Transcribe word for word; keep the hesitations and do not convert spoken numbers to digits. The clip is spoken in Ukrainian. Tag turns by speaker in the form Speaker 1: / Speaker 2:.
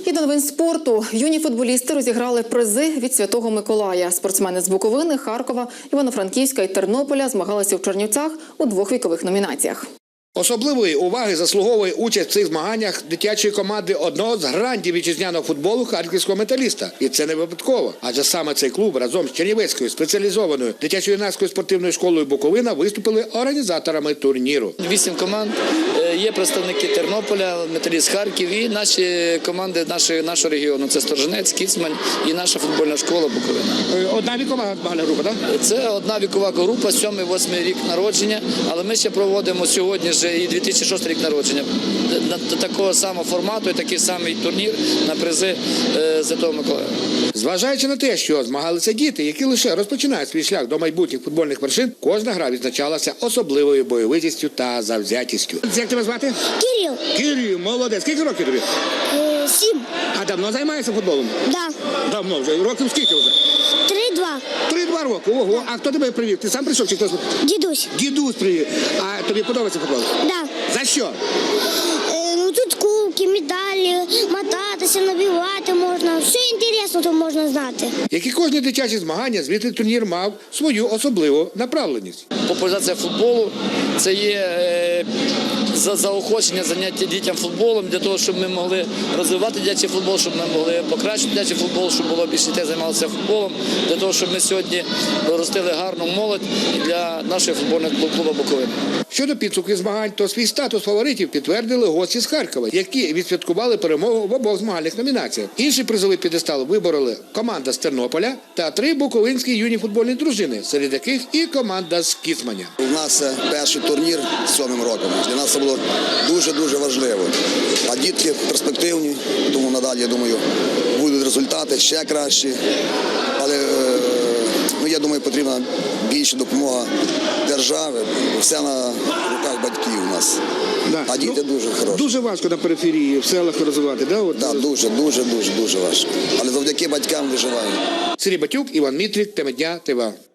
Speaker 1: І до новин спорту. Юні футболісти розіграли призи від Святого Миколая. Спортсмени з Буковини, Харкова, Івано-Франківська і Тернополя змагалися в Чернівцях у двох вікових номінаціях.
Speaker 2: Особливої уваги заслуговує участь в цих змаганнях дитячої команди одного з грандів вітчизняного футболу харківського «Металіста». І це не випадково, адже саме цей клуб разом з Чернівецькою спеціалізованою дитячо-юнацькою спортивною школою «Буковина» виступили організаторами турніру.
Speaker 3: Вісім команд, є представники Тернополя, «Металіст» Харків і наші команди нашої, нашого регіону. Це Сторжинець, Кіцмань і наша футбольна школа «Буковина».
Speaker 2: Одна вікова група, так?
Speaker 3: Це одна вікова група, сьомий-восьмий рік народження, але ми ще проводимо сьогодні і дві тисячі шостий рік народження. До такого самого формату і такий самий турнір на призи Святого Миколая.
Speaker 2: Зважаючи на те, що змагалися діти, які лише розпочинають свій шлях до майбутніх футбольних вершин, кожна гра відзначалася особливою бойовитістю та завзятістю. Як тебе звати?
Speaker 4: Кирил.
Speaker 2: Кирил, молодець. Скільки років тобі?
Speaker 4: Е, сім.
Speaker 2: А давно займаєшся футболом?
Speaker 4: Да.
Speaker 2: Давно вже. Років скільки вже?
Speaker 4: Три-два.
Speaker 2: Три-два роки. Ого. А хто тебе привів? Ти сам прийшов чи хтось?
Speaker 4: Дідусь.
Speaker 2: Дідусь привів. А тобі подобається футбол?
Speaker 4: Да.
Speaker 2: За що?
Speaker 4: Е, ну тут кубки, медалі, мотатися, набивати можна. Все інтересно тут можна знати.
Speaker 2: Як і кожні дитячі змагання, звідти турнір мав свою особливу направленість.
Speaker 3: Популяризація футболу – це є е, за заохочення заняття дітям футболом, для того, щоб ми могли розвивати дитячий футбол, щоб ми могли покращити дитячий футбол, щоб було більше дітей займалося футболом, для того, щоб ми сьогодні ростили гарну молодь для нашого футбольного клубу «Буковина».
Speaker 2: Щодо підсумків змагань, то свій статус фаворитів підтвердили гості з Харкова, які відсвяткували перемогу в обох змагальних номінаціях. Інший призовий п'єдестал вибороли команда з Тернополя та три буковинські юні футбольні дружини, серед яких і команда з Кіцманя.
Speaker 5: У нас це перший турнір з сьомим роком. Для нас це було дуже-дуже важливо. А дітки перспективні, тому надалі, я думаю, будуть результати ще кращі. Але, ну, я думаю, потрібна більша допомога держави. Все на руках батьків у нас.
Speaker 2: Да.
Speaker 5: А діти
Speaker 2: ну,
Speaker 5: дуже хороші.
Speaker 2: Дуже важко на периферії, в селах розвивати, да? От...
Speaker 5: Да, дуже, дуже, дуже, дуже важко. Але завдяки батькам виживаємо.
Speaker 2: Сергій Батюк, Іван Мітрик, Тема дня, ТВА.